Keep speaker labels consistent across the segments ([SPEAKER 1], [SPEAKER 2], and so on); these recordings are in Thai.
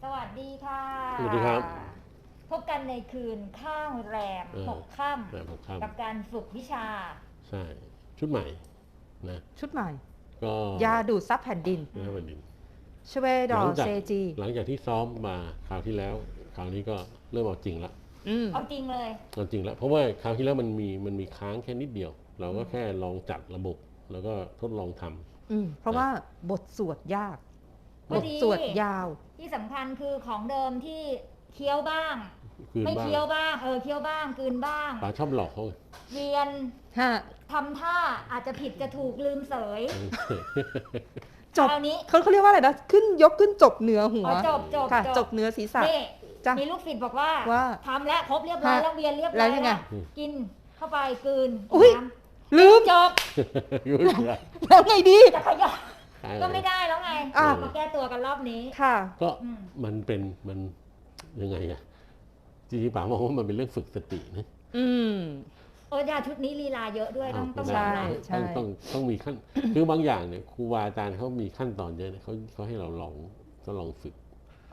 [SPEAKER 1] สวัสดีค่ะ
[SPEAKER 2] สวัสดีครับ
[SPEAKER 1] พบกันในคืนข้างแรม6 ค่
[SPEAKER 2] แรม6 ค่
[SPEAKER 1] ำกับการฝึกวิชา
[SPEAKER 2] ใช่ชุดใหม่นะ
[SPEAKER 3] ชุดใหม่
[SPEAKER 2] ก็
[SPEAKER 3] ยาดูดซับแผ่นดิน
[SPEAKER 2] นะวันนี้
[SPEAKER 3] ชเวดอเซจี
[SPEAKER 2] หลังจากที่ซ้อมมาคราวที่แล้วคราวนี้ก็เริ่มเอาจริงละ
[SPEAKER 1] เอาจริงเลย
[SPEAKER 2] เอาจริงละเพราะว่าคราวที่แล้วมันมีค้างแค่นิดเดียว เราก็แค่ลองจัดระบบแล้วก็ทดลองทำ
[SPEAKER 3] เพราะว่าบทสวดยากบทสวดยาว
[SPEAKER 1] ที่สำคัญคือของเดิมที่เคี้ยวบ้างไม่
[SPEAKER 2] บ้าง
[SPEAKER 1] เคี้ยวบ้างเคี้ยวบ้างกลืนบ้าง
[SPEAKER 2] ป๋าชอบหลอกเขา
[SPEAKER 1] เวียนทำท่าอาจจะผิดจะถูกลืมเสย
[SPEAKER 3] จบนี้เขาเรียกว่าอะไรนะขึ้นยกขึ้นจบเหนือหัวค่ะจบเหนือศีรษะ
[SPEAKER 1] มีลูกศิษย์บอกว่าทำแล้วครบเรียบร้อยแล้วเวียนเรียบร้อยแล้วกินเข้าไปกลืน
[SPEAKER 3] ลืม
[SPEAKER 1] จบ
[SPEAKER 3] แล้วไงดี
[SPEAKER 1] จะขยับก็ไม่ได้แล้วไงมาแก้ตัวกันรอบนี้
[SPEAKER 3] ค่ะ
[SPEAKER 2] ก็มันยังไงอะจริงๆป๋ามองว่ามันเป็นเรื่องฝึกสตินะ
[SPEAKER 1] ยาชุดนี้ลีลาเยอะด้วยต้อง
[SPEAKER 2] ต้องมีขั้นคือบางอย่างเนี่ยครูบาอาจารย์เขามีขั้นตอนเยอะเนี่ยเขาให้เราลองฝึก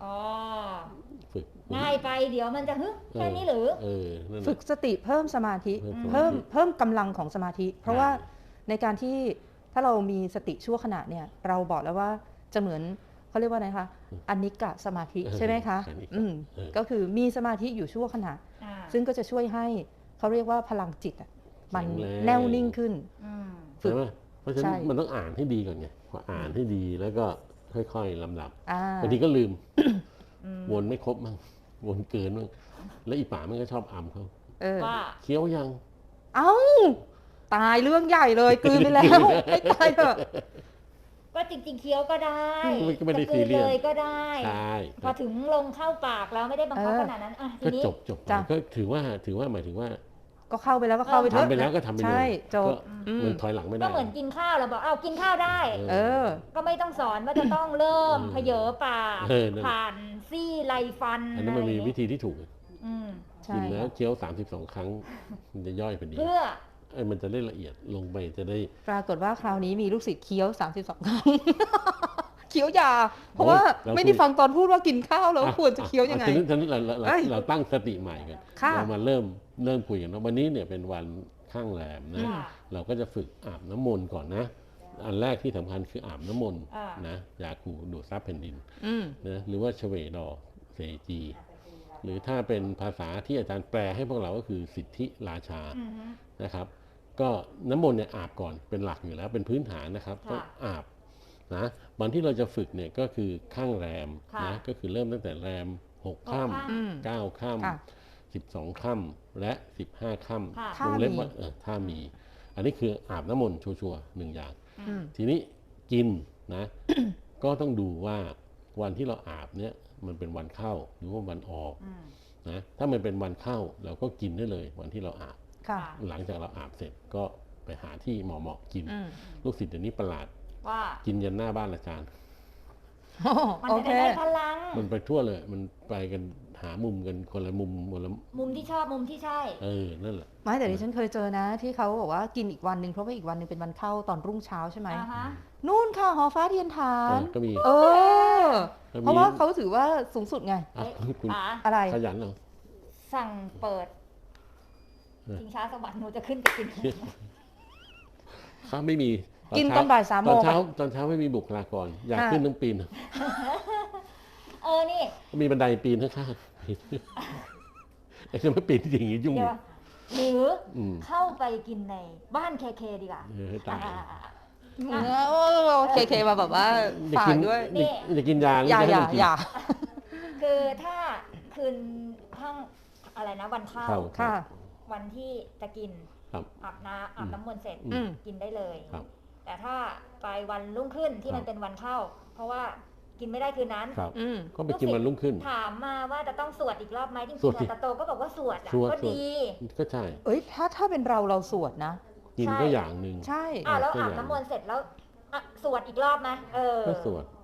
[SPEAKER 1] ง่ายไปเดี๋ยวมันจะแค่นี้หรือ
[SPEAKER 3] ฝึกสติเพิ่มสมาธิเพิ่มกำลังของสมาธิเพราะว่าในการที่ถ้าเรามีสติชั่วขณะเนี่ยเราบอกแล้วว่าจะเหมือนเขาเรียกว่าไงคะอนิกะสมาธิใช่ไหมคะก็คือมีสมาธิอยู่ชั่วขณะซึ่งก็จะช่วยให้เขาเรียกว่าพลังจิตมันแน่วนิ่งขึ้น
[SPEAKER 2] ฝึกเพราะฉะนั้นมันต้องอ่านให้ดีก่อนไงพออ่านให้ดีแล้วก็ค่อยๆลำดับบางทีก็ลืมวนไม่ครบมั่งวนเกินมั่งแล้วอีป๋ามันก็ชอบอ่ำเขา
[SPEAKER 1] ว่า
[SPEAKER 2] เคี้ยวยัง
[SPEAKER 3] เอ้าตายเรื่องใหญ่เลยกลืนไปแล้วให้ตายเถอะ
[SPEAKER 1] ก็จริงๆเคี้ยวก็ได้
[SPEAKER 2] ไม่ได้ซีเรียส
[SPEAKER 1] เลยก็ได้พอถึงลงเข้าปากแล้วไม่ได้บังคับขนาดนั้นทีนี้
[SPEAKER 2] ก็จบก็ถือว่าหมายถึงว่า
[SPEAKER 3] ก็เข้าไปแล้วก็เข้าไป
[SPEAKER 2] ทำไปแล้วก็ทำไปเลย
[SPEAKER 3] ใช่จบ
[SPEAKER 2] มันถอยหลังไม่ได้
[SPEAKER 1] ก็เหมือนกินข้าวเราบอกกินข้าวได้ก็ไม่ต้องสอนว่าจะต้องเริ่มเผยปากผ่านซี่ไรฟัน
[SPEAKER 2] อันนั้นมันมีวิธีที่ถูกกินแล้วเคี้ยว32 ครั้งมันจะย่อยพอดี
[SPEAKER 1] เพื่อ
[SPEAKER 2] มันจะได้ละเอียดลงไปจะได้
[SPEAKER 3] ปรากฏว่าคราวนี้มีลูกศิษย์เคี้ยว32 ครั้งเคี้ยวยาเพราะว่าไม่ได้ฟังตอนพูดว่ากินข้าวแล้วควรจะเคี้ยวยังไง
[SPEAKER 2] เราตั้งสติใหม่กันเรามาเริ่มคุยกันว่าวันนี้เนี่ยเป็นวันข้างแรมนะเราก็จะฝึกอาบน้ำมนต์ก่อนนะอันแรกที่สำคัญคืออาบน้ำมนต์นะยาคูดูดซับแผ่นดินนะหรือว่าชเวดอเซจีหรือถ้าเป็นภาษาที่อาจารย์แปลให้พวกเราก็คือสิทธิราชานะครับก็น้ำมนต์เนี่ยอาบก่อนเป็นหลักอยู่แล้วเป็นพื้นฐานนะครับต้องอาบนะวันที่เราจะฝึกเนี่ยก็คือข้างแรมนะก็คือเริ่มตั้งแต่แรม6 ค่ำ9 ค่ำ12 ค่ำและ15 ค่ำวงเล็บว่าถ้ามีอันนี้คืออาบน้ำมนต์ชัวร์ๆ1 อย่างทีนี้กินนะก็ต้องดูว่าวันที่เราอาบเนี่ยมันเป็นวันเข้าหรือว่าวันออกนะถ้ามันเป็นวันเข้าเราก็กินได้เลยวันที่เราอาบหลังจากเราอาบเสร็จก็ไปหาที่เหมาะกินลูกศิษย์เดี๋ยวนี้ประหลาด
[SPEAKER 1] ว่า
[SPEAKER 2] กินยันหน้าบ้านอาจารย์
[SPEAKER 1] มันจะได้พลัง
[SPEAKER 2] มันไปทั่วเลยมันไปกันหามุมกันคนละมุม
[SPEAKER 1] มุมที่ชอบมุมที่ใช่
[SPEAKER 2] นั่นแหละ
[SPEAKER 3] ไม่แต่ดิฉันเคยเจอนะที่เขาบอกว่ากินอีกวันหนึ่งเพราะว่าอีกวันหนึ่งเป็นวันเข้าตอนรุ่งเช้าใช่ไหมนู่นค่ะหอฟ้าเทียนฐาน
[SPEAKER 2] ก็มี
[SPEAKER 3] เพราะว่าเขาถือว่าสูงสุดไงอะไร
[SPEAKER 2] ขยันเหรอ
[SPEAKER 1] สั่งเปิดชิงช้าสวรรค์หนูจะขึ้นไปกิน
[SPEAKER 2] เขาไม่มี
[SPEAKER 3] กินตอนบ่าย3 โมง
[SPEAKER 2] ตอนเช้าไม่มีบุคลากรอยากขึ้นต้องปีน
[SPEAKER 1] นี่
[SPEAKER 2] มีบันไดปีนข้างๆไอ้จะไม่ปีนอย่างนี้ยุ่ง
[SPEAKER 1] หรือเข้าไปกินในบ้านเคดีกว่า
[SPEAKER 3] เคมาแบบว่าฝากด้วย
[SPEAKER 2] อย่ากินยา
[SPEAKER 3] อย่า
[SPEAKER 1] คือถ้าคืนข้างอะไรนะวันเข้าวันที่จะกินอาบน้ำมนต์เสร็จกินได้เลยแต่ถ้าไปวันรุ่งขึ้นที่มันเป็นวันเข้าเพราะว่ากินไม่ได้คืนนั้น
[SPEAKER 2] ก็ไปกินวันรุ่งขึ้น
[SPEAKER 1] ถามมาว่าจะต้องสวดอีกรอบไหมจริงๆตาโตก็บอกว่าสวดก็ดี
[SPEAKER 2] ก็ใช่
[SPEAKER 3] ถ้าเป็นเราสวดนะ
[SPEAKER 2] กินก็อย่างหนึ่ง
[SPEAKER 3] ใช่
[SPEAKER 1] แล้วอาบน้ำมนต์เสร็จแล้วสวดอีกรอบไหม
[SPEAKER 2] ก็สวด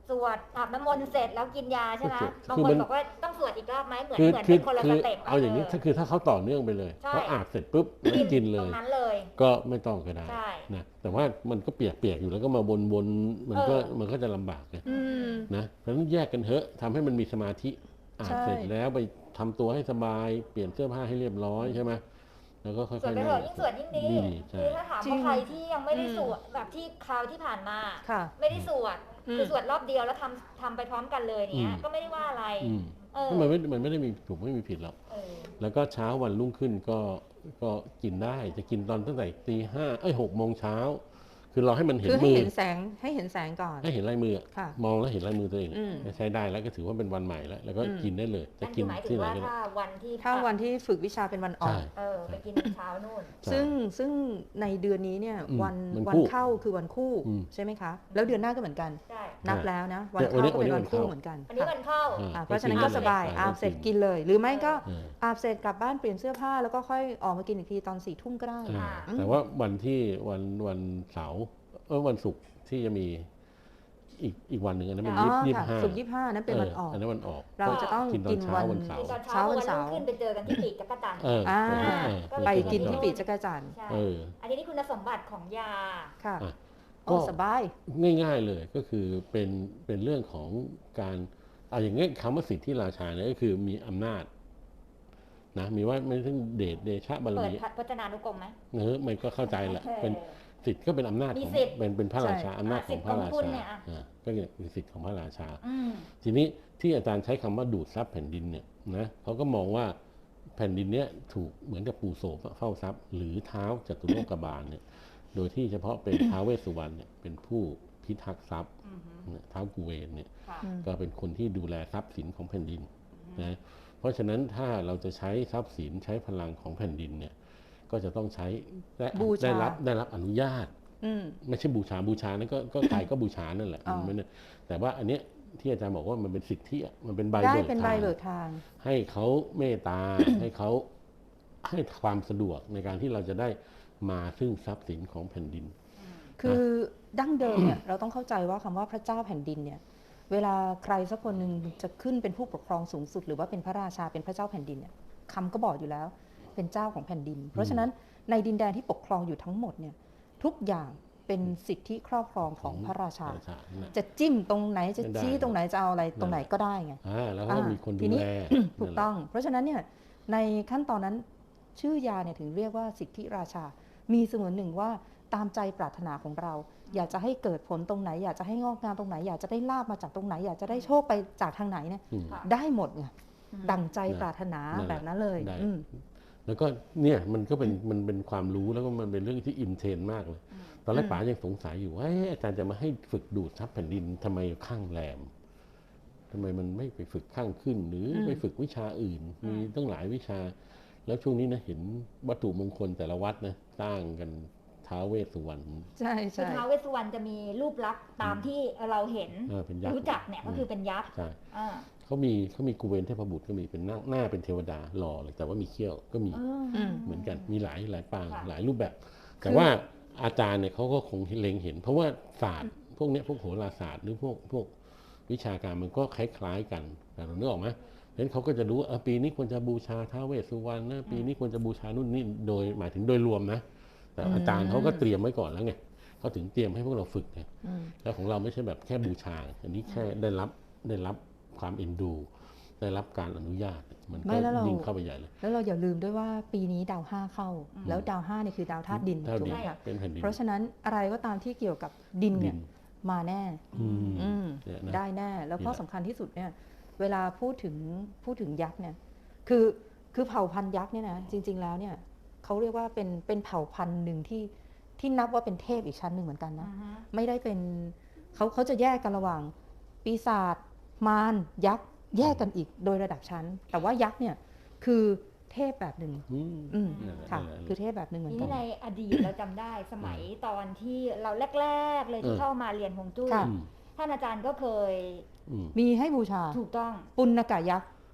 [SPEAKER 1] สวดอาบน้ำมนต์เสร็จแล้วกินยาใช่ไหมบาง
[SPEAKER 2] คือ
[SPEAKER 1] ค
[SPEAKER 2] มัน น
[SPEAKER 1] บอกว่าต้องสวดอีกรอบไหมเหมือน
[SPEAKER 2] คือ
[SPEAKER 1] เป็นคนละสเต็ป
[SPEAKER 2] เอาอย่างนี้ถ้าเขาต่อเนื่องไปเลย
[SPEAKER 1] ใช่
[SPEAKER 2] เขาอาบเสร็จปุ๊บแล้วกินเล
[SPEAKER 1] ตร
[SPEAKER 2] ย
[SPEAKER 1] งนั้นเลย
[SPEAKER 2] ก็ไม่ต้องก็ได้
[SPEAKER 1] ใช่
[SPEAKER 2] นะแต่ว่ามันก็เปียกๆอยู่แล้วก็มาบนมันก็จะลำบากไงนะเพราะฉะนั้นแยกกันเถอะทำให้มันมีสมาธิอาบเสร็จแล้วไปทำตัวให้สบายเปลี่ยนเสื้อผ้าให้เรียบร้อยใช่ไหมแล้วก็ค่อยๆ
[SPEAKER 1] สวดไปเถอะยิ่งสวดยิ่งดี
[SPEAKER 2] ใช่
[SPEAKER 1] คือถ้าถาม
[SPEAKER 3] จริ
[SPEAKER 1] ว่าง ใครที่ยังไม่ได้สวดแบบที่คราวที่ผ่านมา
[SPEAKER 3] ค่ะ
[SPEAKER 1] ไม่ได้สวดคือสวดรอบเดียวแล้วทำไปพร้อมกันเลยเนี้ยก็ไม่ได้ว่าอะไร
[SPEAKER 2] มันไม่ได้มีถูกไม่มีผิดหรอกแล้วก็เช้าวันรุ่งขึ้นก็กินได้จะกินตอนตั้งแต่ตี 5 6 โมงเช้าคือเราให้มันเห็น
[SPEAKER 3] คือ
[SPEAKER 2] มื
[SPEAKER 3] ให้
[SPEAKER 2] อ
[SPEAKER 3] เห็นแสงให้เห็นแสงก่อน
[SPEAKER 2] ให้เห็นลายมือ
[SPEAKER 3] ค่ะ
[SPEAKER 2] มองแล้วเห็นลายมือตัวเองใช้ได้แล้วก็ถือว่าเป็นวันใหม่แล้วก็กินได้เลยจะ
[SPEAKER 1] นั่น
[SPEAKER 2] กิ
[SPEAKER 1] คื
[SPEAKER 2] น
[SPEAKER 1] อหมายถึ
[SPEAKER 2] ที่
[SPEAKER 1] ง
[SPEAKER 2] ไหน
[SPEAKER 1] ว่า
[SPEAKER 2] ก็ได้
[SPEAKER 3] ถ้าวันที่ฝึกวิชาเป็นวันออก
[SPEAKER 1] ไปกินเช้านู่น
[SPEAKER 3] ซึ่งในเดือนนี้เนี่ยวันเข้าคือวันคู่ใช่ไหมคะแล้วเดือนหน้าก็เหมือนกัน
[SPEAKER 1] ใช่
[SPEAKER 3] นับแล้วนะวันเข้าก็เป็นวันคู่เหมือนกัน
[SPEAKER 1] อันนี้วันเข้า
[SPEAKER 3] เพราะฉะนั้นก็สบายอาบเสร็จกินเลย หรือไม่ก็อาบเสร็จกลับบ้านเปลี่ยนเสื้อผ้าแล้วก็ค่อยออกมากินอีกทีตอน4 ทุ่มก็ได้
[SPEAKER 2] แต่ว่าวันที่วันเสาร์วันศุกร์ที่จะมีอีกวันหนึ่งอันนั้นเป็น25
[SPEAKER 3] ศุกร์25นั้นเป็นวันออก
[SPEAKER 2] อันนั้นวันออก
[SPEAKER 3] เราจะต้องกินวัน
[SPEAKER 2] เสาร์
[SPEAKER 1] เช้าวันเสาร์ขึ้นไปเจอกันที่ปีกจักรจันทร์
[SPEAKER 3] ไปกินที่ปีกจักรจันทร์
[SPEAKER 1] อันนี้คุณสมบัติของยา
[SPEAKER 3] ค่ะก็สบาย
[SPEAKER 2] ง่ายๆเลยก็คือเป็นเรื่องของการเอาอย่างงี้คำว่าสิทธิราชาเนี่ยก็คือมีอำนาจนะมีว่าไม่ถึงเดชะบารมี
[SPEAKER 1] เปิดพจนานุกรมไหม
[SPEAKER 2] มันก็เข้าใจแหละเป็นสิทธิ์ก็เป็นอำนาจของเป็นพระราชาอำนาจของพระราชาก็คือสิทธิ์ของพระราชาทีนี้ที่อาจารย์ใช้คำว่าดูดซับแผ่นดินเนี่ยนะเขาก็มองว่าแผ่นดินเนี้ยถูกเหมือนกับปู่โสมเฝ้าทรัพย์หรือเท้าจตุโลกบาลเนี่ยโดยที่เฉพาะเป็นท้าวเวสสุวรรณเนี่ยเป็นผู้พิทักษ์ทรัพย์ท้าวกุเวนเนี่ยก็เป็นคนที่ดูแลทรัพย์สินของแผ่นดินนะเพราะฉะนั้นถ้าเราจะใช้ทรัพย์สินใช้พลังของแผ่นดินเนี่ยก็จะต้องใช้ได้รับอนุญาตไม่ใช่บูชานั่นก็ใครก็บูชานั่นแหละแต่ว่าอันเนี้ยที่อาจารย์บอกว่ามันเป็นสิทธิมันเป็นใบเบิกทางให้เขาเมตตาให้เขาให้ความสะดวกในการที่เราจะได้มาซึ่งทรัพย์สินของแผ่นดิน
[SPEAKER 3] คือดั้งเดิมเนี่ยเราต้องเข้าใจว่าคำว่าพระเจ้าแผ่นดินเนี่ยเวลาใครสักคนหนึ่งจะขึ้นเป็นผู้ปกครองสูงสุดหรือว่าเป็นพระราชาเป็นพระเจ้าแผ่นดินเนี่ยคำก็บอกอยู่แล้วเป็นเจ้าของแผ่นดินเพราะฉะนั้นในดินแดนที่ปกครองอยู่ทั้งหมดเนี่ยทุกอย่างเป็นสิทธิครอบครองของพระราชาจะจิ้มตรงไหนจะชี้ตรงไหนจะเอาอะไรตรงไหนก็ได้ไง
[SPEAKER 2] แล้วก็มีคนดูแล
[SPEAKER 3] ถูกต้องเพราะฉะนั้นเนี่ยในขั้นตอนนั้นชื่อยาเนี่ยถึงเรียกว่าสิทธิราชามีเสมือนหนึ่งว่าตามใจปรารถนาของเราอยากจะให้เกิดผลตรงไหนอยากจะให้งอกงามตรงไหนอยากจะได้ลาบมาจากตรงไหนอยากจะได้โชคไปจากทางไหนเนี่ยได้หมดไงดั่งใจปรารถนาแบบนั้นเลย
[SPEAKER 2] แล้วก็เนี่ยมันเป็นความรู้แล้วก็มันเป็นเรื่องที่อินเทรนมากเลยตอนแรกป๋ายังสงสัยอยู่ว่าอาจารย์จะมาให้ฝึกดูดซับแผ่นดินทำไมข้างแรมทำไมมันไม่ไปฝึกข้างขึ้นหรือไปฝึกวิชาอื่นมีตั้งหลายวิชาแล้วช่วงนี้นะเห็นวัตถุมงคลแต่ละวัดนะสร้างกันท้าวเวสสุวรรณ
[SPEAKER 3] ใช่
[SPEAKER 1] คือท้าวเวสสุวรรณจะมีรูปลักษณ์ตามที่เราเห็นรู้จักเนี่ยก็คือเป็นยักษ์
[SPEAKER 2] เขามีกุเวนเทพบุตรก็มีเป็นหน้าเป็นเทวดาหล่อเลยแต่ว่ามีเขี้ยวก็มีเหมือนกันมีหลายปางหลายรูปแบบแต่ว่าอาจารย์เนี่ยเขาก็คงเล็งเห็นเพราะว่าศาสตร์พวกนี้พวกโหราศาสตร์หรือพวกวิชาการมันก็คล้ายๆกันแต่เรานึกออกไหมเพราะฉะนั้นเขาก็จะรู้ปีนี้ควรจะบูชาท้าวเวสสุวรรณนะปีนี้ควรจะบูชานู่นนี่โดยหมายถึงโดยรวมนะแต่อาจารย์เขาก็เตรียมไว้ก่อนแล้วไงเขาถึงเตรียมให้พวกเราฝึกไงแล้วของเราไม่ใช่แบบแค่บูชาอันนี้แค่ได้รับความเอ็นดูได้รับการอนุญาตมันก็ยิ่งเข้าไปใหญ่เลย
[SPEAKER 3] แล้วเราอย่าลืมด้วยว่าปีนี้ดาว5เข้าแล้วดาว5เนี่ยคือดาวธาตุดินถูกไหมคะเพราะฉะนั้นอะไรก็ตามที่เกี่ยวกับดินเนี่ยมาแน่ได้แน่แล้วข้อสำคัญที่สุดเนี่ยเวลาพูดถึงยักษ์เนี่ยคือเผ่าพันธุ์ยักษ์เนี่ยนะจริงๆแล้วเนี่ยเขาเรียกว่าเป็นเผ่าพันธุ์หนึ่งที่นับว่าเป็นเทพอีกชั้นหนึ่งเหมือนกันนะไม่ได้เป็นเขาจะแยกกันระหว่างปีศาจมารยักษ์แยกกันอีกโดยระดับชั้นแต่ว่ายักษ์เนี่ยคือเทพแบบหนึ่งค่ะคือเทพแบบหนึ่งเหมือนกัน
[SPEAKER 1] นี่ในอดีตเราจำได้สมัยตอนที่เราแรกๆเลยที่เข้ามาเรียนฮวงจุ้ยท่านอาจารย์ก็เคย
[SPEAKER 3] มีให้บูชา
[SPEAKER 1] ถูกต้อง
[SPEAKER 3] ปุณณกะยักษ์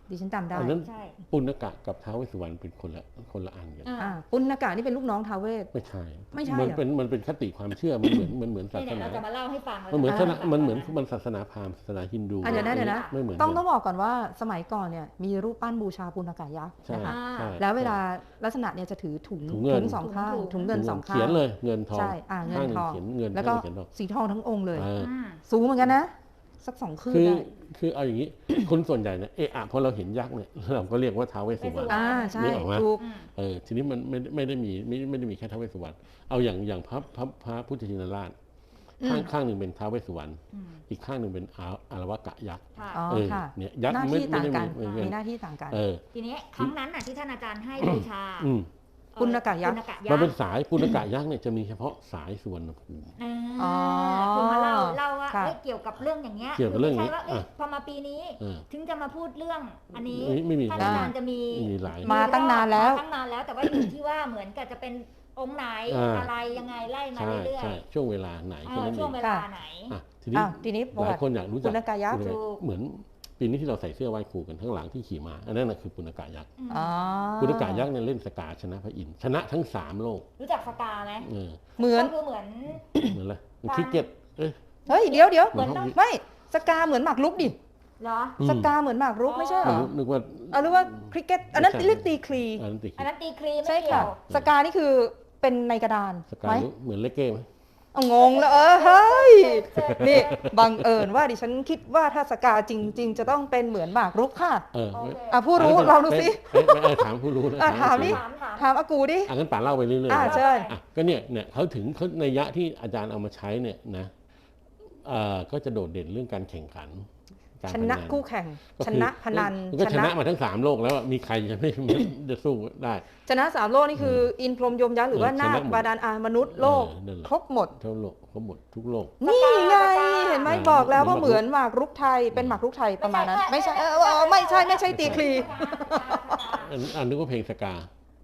[SPEAKER 3] ดิฉันจำได้
[SPEAKER 2] อันนั้นปุณกะกับท้าวเวสสุวรรณเป็นคนละอันกัน
[SPEAKER 3] ปุณกะนี่เป็นลูกน้องท้าวเวส
[SPEAKER 2] ไม่ใช่
[SPEAKER 3] มัน
[SPEAKER 2] เป็นคติความเชื่อมันเหมือนศาสนา
[SPEAKER 1] เราจะมาเล่าให้ฟัง
[SPEAKER 2] มันเหมือนมันศาสนาพราหมณ์ศาสนาฮินดู
[SPEAKER 3] เดี๋ยวนะ
[SPEAKER 2] ไม่เหมือน
[SPEAKER 3] ต้องบอกก่อนว่าสมัยก่อนเนี่ยมีรูปปั้นบูชาปุณกะยักษ์นะคะแล้วเวลาลักษณะเนี่ยจะถือถุงสองข้างถุงเงินสองข้าง
[SPEAKER 2] เขียนเลยเงินทอง
[SPEAKER 3] ใช่เงินทองแล้วก็สีทองทั้งองค์เลยสูงเหมือนกันนะสัก2 คืนได้
[SPEAKER 2] คือเอาอย่างนี้คนส่วนใหญ่เนี่ยพอเราเห็นยักษ์เนี่ยเราก็เรียกว่าท้าวเวสสุวรรณ
[SPEAKER 3] ใช่
[SPEAKER 2] ถูกทีนี้มันไม่ได้มีแค่ท้าวเวสสุวรรณเอาอย่างพระพุทธชินราชข้างหนึ่งเป็นท้าวเวสสุวรรณอีกข้างหนึ่งเป็นอารวกะยักษ์
[SPEAKER 3] เนี่ยยักษ์ไม่ได้มีหน้าที่ต่างกัน
[SPEAKER 1] ทีนี้ครั้งนั้นที่ท่านอาจารย์ให้บูชา
[SPEAKER 3] ปุณกะยักษ์
[SPEAKER 2] มันเป็นสายปุณกะยักษ์เนี่ยจะมีเฉพาะสายสุวรรณภูมิ
[SPEAKER 1] คือมาเล่าว่าเกี่ยวกับเรื่องอย่างเงี้ย
[SPEAKER 2] ไม่ใช่
[SPEAKER 1] ว่าพอมาปีนี้ถึงจะมาพูดเรื่องอันนี้ท่านอาจารย์จะมี
[SPEAKER 3] มาตั้งนานแล้ว
[SPEAKER 1] แต่ว่าอยู่ที่ว่าเหมือนกับจะเป็นองค์ไหนอะไรยังไงไล่มาเรื่อย
[SPEAKER 2] ๆช่วงเวลาไหน
[SPEAKER 1] ช่วงเวลาไหน
[SPEAKER 3] ทีนี้
[SPEAKER 2] หลายคนอยากรู้จัก
[SPEAKER 3] ปุณกะยักษ์
[SPEAKER 2] เหมือนปีนี้ที่เราใส่เสื้อไหว้ครูกันข้างหลังที่ขี่ม้าอันนั้นคือปุณกะยักษ์ปุณกะยักษ์เนี่ยเล่นสกาชนะพระอินทร์ชนะทั้ง3โลก
[SPEAKER 1] รู้จักสกาไหม
[SPEAKER 3] เหมือน
[SPEAKER 2] อะไรคริกเก็ต
[SPEAKER 3] เฮ้ยเดี๋ยวไม่สกาเหมือนหมากรุกดิ
[SPEAKER 1] เหรอ
[SPEAKER 3] สกาเหมือนหมากรุกไม่ใช่เหรอ
[SPEAKER 2] นึกว่า
[SPEAKER 3] หรือว่าคริกเก็ตอันนั้นเรียกตีคลี
[SPEAKER 1] อันนั้นตีคลี
[SPEAKER 3] ใช่ค่ะสกานี่คือเป็นในกระดาน
[SPEAKER 2] ไหมเหมือนเลเก้ไหม
[SPEAKER 3] งงแล้วเฮ้ยนี่บังเอิญว่าดิฉันคิดว่าถ้าสกาจริงๆจะต้องเป็นเหมือนหมากรุกค่ะผู้รู้เราดูสิ
[SPEAKER 2] ถามผู้รู้นะ
[SPEAKER 3] ถามนี่ถามอากูดิ
[SPEAKER 2] งั้นป่าเล่าไปเรื่อย
[SPEAKER 3] ๆใช่
[SPEAKER 2] ก็เนี่ยเขาถึงในยะที่อาจารย์เอามาใช้เนี่ยนะก็จะโดดเด่นเรื่องการแข่งขัน
[SPEAKER 3] ชนะคู่แข่งชนะพนัน
[SPEAKER 2] ก็ชนะมาทั้ง3โลกแล้วมีใครจะไม่จะสู้ได้
[SPEAKER 3] ชนะ3โลกนี่คืออินพรหมยมยักษ์หรือว่านาคบาดาลมนุษย์โลกครบหมด
[SPEAKER 2] ทั้งโลกครบหมดทุกโลก
[SPEAKER 3] นี่ไงเห็นไหมบอกแล้วว่าเหมือนหมากรุกไทยเป็นหมากรุกไทยประมาณนั้นไม่ใช่ไม่ใช่ตีคลี
[SPEAKER 2] นึกว่าเพลงสกา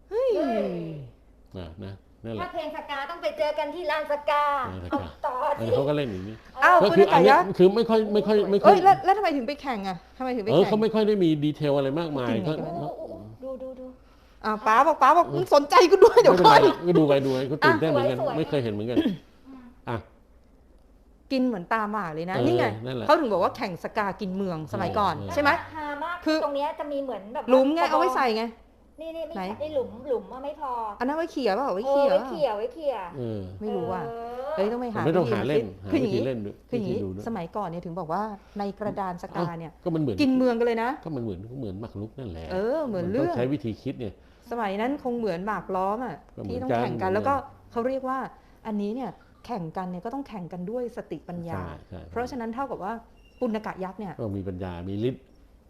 [SPEAKER 2] นะ
[SPEAKER 1] ถ้าเพลงสกาต้องไปเจอกันที่ลานสกาต่อที่
[SPEAKER 2] เขาก็เล่นอย่างนี้
[SPEAKER 3] ก็
[SPEAKER 2] คืออันนี้คือไม่ค่อย
[SPEAKER 3] แล้วทำไมถึงไปแข่งอ่ะทำไมถึงไปแข่ง
[SPEAKER 2] เขาไม่ค่อยได้มีดีเทลอะไรมากมายก็
[SPEAKER 1] ดู
[SPEAKER 3] ป๋าบอกสนใจกูด้วยเดี๋ยวค่อย
[SPEAKER 2] ก็ดูไปกูตื่นเต้นเหมือนกันไม่เคยเห็นเหมือนกัน
[SPEAKER 3] กินเหมือนตาหมาเลยนะนี่ไงเขาถึงบอกว่าแข่งสกากินเมืองสมัยก่อนใช่ไหม
[SPEAKER 1] คือตรงนี้จะมีเหมือนแบบ
[SPEAKER 3] หลุมไงเอาไว้ใส่ไง
[SPEAKER 1] นี่ไม่ใช่หลุมว่าไม่พอ
[SPEAKER 3] อันนั้นไว้เขี่ยป่ะไว้
[SPEAKER 1] เขี่ย
[SPEAKER 3] ไม่รู้ว่าต้องไปหา
[SPEAKER 2] ไม่ต้องหาเล่น
[SPEAKER 3] คืออย่างนี้สมัยก่อนเนี่ยถึงบอกว่าในกระดานสกาเนี่ย
[SPEAKER 2] ก็มันเหมือน
[SPEAKER 3] กินเมืองกันเลยนะ
[SPEAKER 2] ก็มันเหมือนหมากรุกนั่นแหละ
[SPEAKER 3] เหมือนเรื่อง
[SPEAKER 2] ใช้วิธีคิดเนี่ย
[SPEAKER 3] สมัยนั้นคงเหมือนหมากล้อมอ่ะที่ต้องแข่งกันแล้วก็เขาเรียกว่าอันนี้เนี่ยแข่งกันเนี่ยก็ต้องแข่งกันด้วยสติปัญญาเพราะฉะนั้นเท่ากับว่าปุณกะยักษ์เนี่ย
[SPEAKER 2] มีปัญญามีฤทธิ์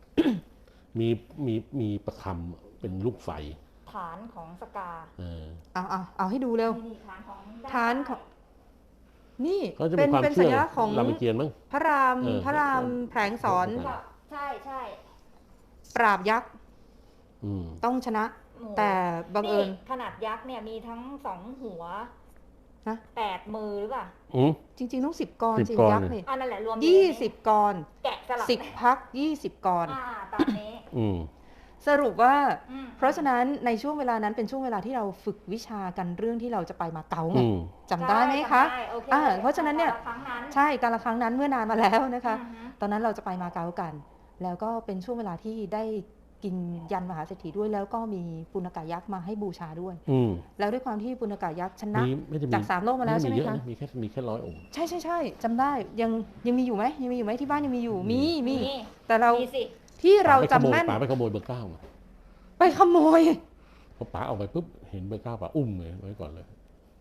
[SPEAKER 2] มีประคำเป็นลูกไฟ
[SPEAKER 1] ฐานของสกา
[SPEAKER 3] เอาให้ดูเร็วฐานของนี่
[SPEAKER 2] เป็นสัญลักษณ์ของรามเกียรติมั้ง
[SPEAKER 3] พระรามแผลงสอน
[SPEAKER 1] ใช่
[SPEAKER 3] ปราบยักษ์ต้องชนะแต่บังเอิญ
[SPEAKER 1] ขนาดยักษ์เนี่ยมีทั้ง2หัว
[SPEAKER 3] นะ
[SPEAKER 1] 8 มือหรือเปล่า
[SPEAKER 3] จริงๆต้อง10 กรจริงยักษ์เนี่ย
[SPEAKER 1] นั่นแหละรวม
[SPEAKER 3] 20 กร
[SPEAKER 1] แกะสลัก
[SPEAKER 3] 10 พัก20 กร
[SPEAKER 1] ตามนี้
[SPEAKER 3] สรุปว่าเพราะฉะนั้นในช่วงเวลานั้นเป็นช่วงเวลาที่เราฝึกวิชากันเรื่องที่เราจะไปมาเก๊าไงจำได้ไหมคะเพราะฉะนั้นเนี่ยใช่การละครั้งนั้นเมื่อนานมาแล้วนะคะตอนนั้นเราจะไปมาเก๊ากันแล้วก็เป็นช่วงเวลาที่ได้กินยันมหาเศรษฐีด้วยแล้วก็มีปุณกะยักษ์มาให้บูชาด้วยแล้วด้วยความที่ปุณกะยักษ์ชนะจาก3โลกมาแล้วใช่ไหมคะ
[SPEAKER 2] มีแค่100 องค์
[SPEAKER 3] ใช่จำได้ยังมีอยู่ไหมที่บ้านยังมีอยู่มีแต่เราที่เราจำแม่น
[SPEAKER 2] ป๋าไปขโมยเบอร์ 9มา
[SPEAKER 3] ไปขโมย
[SPEAKER 2] พอป๋าเอาไปปุ๊บเห็นเบอร์ 9ป๋าอุ้มเลยไว้ก่อนเลย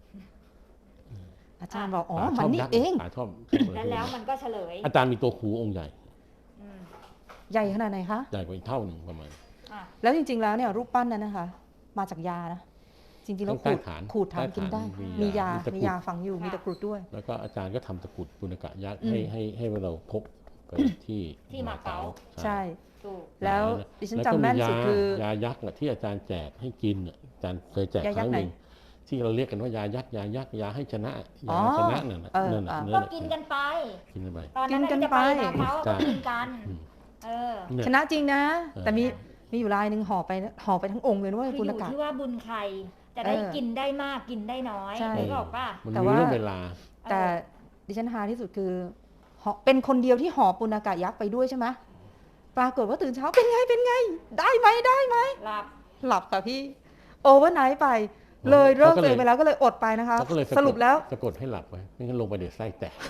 [SPEAKER 3] อาจารย์บอกมันนี่เอง
[SPEAKER 2] ป๋าชอบ
[SPEAKER 1] แล้วมันก็เฉลย
[SPEAKER 2] อาจารย์มีตัวครูองค์ใหญ่
[SPEAKER 3] ใหญ่ขนาดไหนคะ
[SPEAKER 2] ใหญ่กว่าอีกเท่านึงประมาณ
[SPEAKER 3] แล้วจริงๆแล้วเนี่ยรูปปั้นนั้นนะคะมาจากยานะจริงๆแล้วขูดทำกินได้มียาฝังอยู่มีตะกรุดด้วย
[SPEAKER 2] แล้วก็อาจารย์ก็ทำตะกรุดปุณกะยักษ์ให้เราพกไปที่
[SPEAKER 1] มาเก๊า
[SPEAKER 3] ใช่แล้วดิฉันจำแม่นสุดคือย
[SPEAKER 2] ายักษ์ที่อาจารย์แจกให้กินอาจารย์เคยแจกครั้งหนึ่งที่เราเรียกกันว่ายายักษ์ยาให้ชนะยาชนะนั่น
[SPEAKER 1] ก็กินกันไปตอนนั้นจะไปมาเก๊าก็กินกัน
[SPEAKER 3] ชนะจริงนะแต่มีอยู่รายหนึ่งห่อไปทั้งองค์เลยนะว่า
[SPEAKER 1] คือ
[SPEAKER 3] ปุ
[SPEAKER 1] อ
[SPEAKER 3] ณ
[SPEAKER 1] ยู่
[SPEAKER 3] กะ
[SPEAKER 1] ที่ว่าบุญใครจะได้กินได้มากกินได้น้อยนึกออกป่ะ
[SPEAKER 2] มันมีเรื่องเวลา
[SPEAKER 3] แต่ดิฉันฮาที่สุดคือเป็นคนเดียวที่ห่อปุณกะยักษ์ไปด้วยใช่ไหมปรากฏว่าตื่นเช้าเป็นไงได้ไหมหลับค่ะพี่โอเวอร์ไนท์ไปเลยเลิกตัวเองไปแล้วก็เลยอดไปนะคะสรุปแล้ว
[SPEAKER 2] สะกดให้หลับไว้ไม่งั้นลงไปเดี๋ยวไส้แตก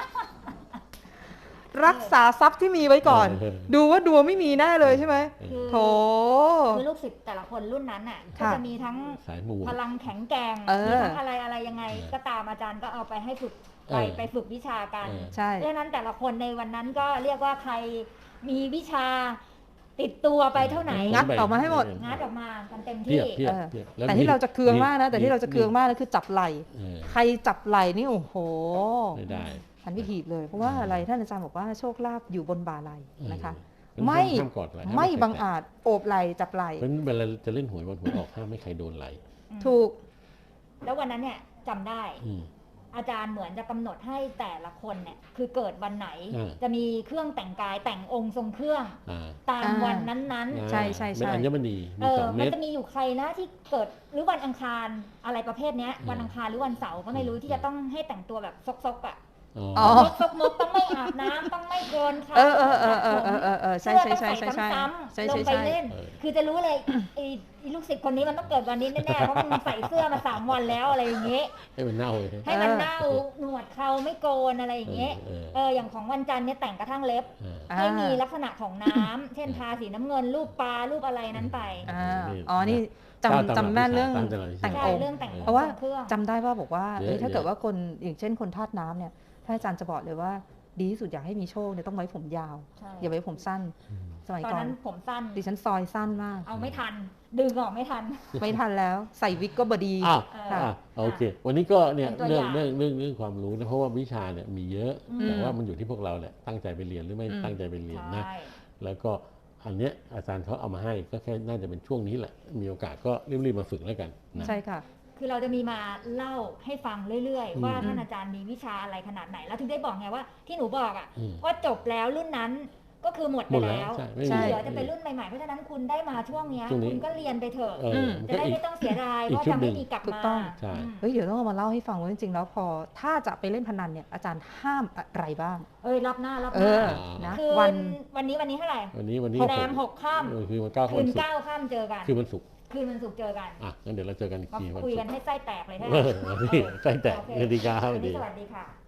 [SPEAKER 3] รักษาทรัพย์ที่มีไว้ก่อนดูว่าดวงไม่มีแน่เลยใช่ไหมโถ
[SPEAKER 1] คือลูกศิษย์แต่ละคนรุ่นนั้นน่ะก็จะมีทั้งพลังแข็งแกร่งมีทั้งอะไรยังไงก็ตามอาจารย์ก็เอาไปให้ฝึกไปฝึกวิชากันดังนั้นแต่ละคนในวันนั้นก็เรียกว่าใครมีวิชาติดตัวไปเท่าไหน
[SPEAKER 3] งัดออกมาให้หมด
[SPEAKER 1] งัดออกมากันเต็มที่
[SPEAKER 3] แต่ที่เราจะเคืองมากนะแต่ที่เราจะเคืองมากนะคือจับไหล่ใครจับไหล่นี่โอ้โห
[SPEAKER 2] ไม่ได้
[SPEAKER 3] ทันพิธีเลยเพราะว่าอะไรท่านอาจารย์บอกว่าโชคลาภอยู่บนบ่าไหล่นะคะไม่บังอาจโอบไหล่จับไหล่
[SPEAKER 2] เพราะเวลาจะเล่นหวยวันหวยออกห้ามไม่ใครโดนไหล่
[SPEAKER 3] ถูก
[SPEAKER 1] แล้ววันนั้นเนี่ยจำได้อาจารย์เหมือนจะกำหนดให้แต่ละคนเนี่ยคือเกิดวันไหนจะมีเครื่องแต่งกายแต่งองค์ทรงเครื่องตามวันนั้น
[SPEAKER 3] ๆใช่
[SPEAKER 2] เป็นอัญมณี
[SPEAKER 1] มันจะมีอยู่ใครนะที่เกิดหรือวันอังคารอะไรประเภทนี้วันอังคารหรือวันเสาร์ก็ไม่รู้ที่จะต้องให้แต่งตัวแบบซกๆอ่ะซกๆต้องไม่อาบน้ำต้องไม่โกนค่ะ
[SPEAKER 3] ใช่
[SPEAKER 1] ลงไปเล่นคือจะรู้เลยลูกศิษย์คนนี้มันต้องเกิดวันนี้แน่ๆเพราะมันใส่เสื้อมา3 วันแล้วอะไรอย่างเงี้ย
[SPEAKER 2] ให้มันเน่า
[SPEAKER 1] หนวดเขาไม่โกนอะไรอย่างเงี้ยอย่างของวันจันทร์เนี่ยแต่งกระทั่งเล็บให้มีลักษณะของน้ำเช่นทาสีน้ำเงินรูปปลารูปอะไรนั้นไป
[SPEAKER 3] นี่จำแม่เรื่องแต่งองค์เพราะว่าจำได้ว่าบอกว่าถ้าเกิดว่าคนอย่างเช่นคนธาตุน้ำเนี่ยท่านอาจารย์จะบอกเลยว่าดีที่สุดอยากให้มีโชคเนี่ยต้องไว้ผมยาวอย่าไว้ผมสั้นสมัยก่อน
[SPEAKER 1] ตอนนั้นผมสั้น
[SPEAKER 3] ดิฉันซอยสั้นมาก
[SPEAKER 1] เอาไม่ทันดึงออกไม่ทัน
[SPEAKER 3] แล้วใส่วิกก็บดี
[SPEAKER 2] โอเควันนี้ก็เนี่ยเรื่องความรู้นะเพราะว่าวิชาเนี่ยมีเยอะแต่ว่ามันอยู่ที่พวกเราแหละตั้งใจไปเรียนหรือไม่ตั้งใจไปเรียนนะแล้วก็อันเนี้ยอาจารย์เขาเอามาให้ก็แค่น่าจะเป็นช่วงนี้แหละมีโอกาสก็รีบๆมาฝึกแล้วกัน
[SPEAKER 3] ใช่ค่ะ
[SPEAKER 1] คือเราจะมีมาเล่าให้ฟังเรื่อยๆว่าท่านอาจารย์มีวิชาอะไรขนาดไหนแล้วถึงได้บอกไงว่าที่หนูบอกอ่ะว่าจบแล้วรุ่นนั้นก็คือหมดไปแล้วที่เหลือจะเป็นรุ่นใหม่ๆเพราะฉะนั้นคุณได้มาช่วงนี้คุณก็เรียนไปเถอะจะได้ไม่ต้องเสียดายเพราะจะไม่มีกลับมา
[SPEAKER 3] เดี๋ยวต้องมาเล่าให้ฟังว่าจริงๆแล้วพอถ้าจะไปเล่นพนันเนี่ยอาจารย์ห้ามอะไรบ้าง
[SPEAKER 1] รับหน้า
[SPEAKER 3] นะ
[SPEAKER 1] วันนี้เท่าไหร่
[SPEAKER 2] วันนี้
[SPEAKER 1] แรม6 ค่ำ
[SPEAKER 2] คือมัน
[SPEAKER 1] คืน9 ค่ำเจอกัน
[SPEAKER 2] คือมันศุกร์
[SPEAKER 1] เจอกัน
[SPEAKER 2] งั้นเดี๋ยวเราเจอกันอีกที
[SPEAKER 1] คุยกันให้ไส้แตกเลยใช่ไหม
[SPEAKER 2] ไส้แตกสวัสดีครับ
[SPEAKER 1] สวัสดีค่ะ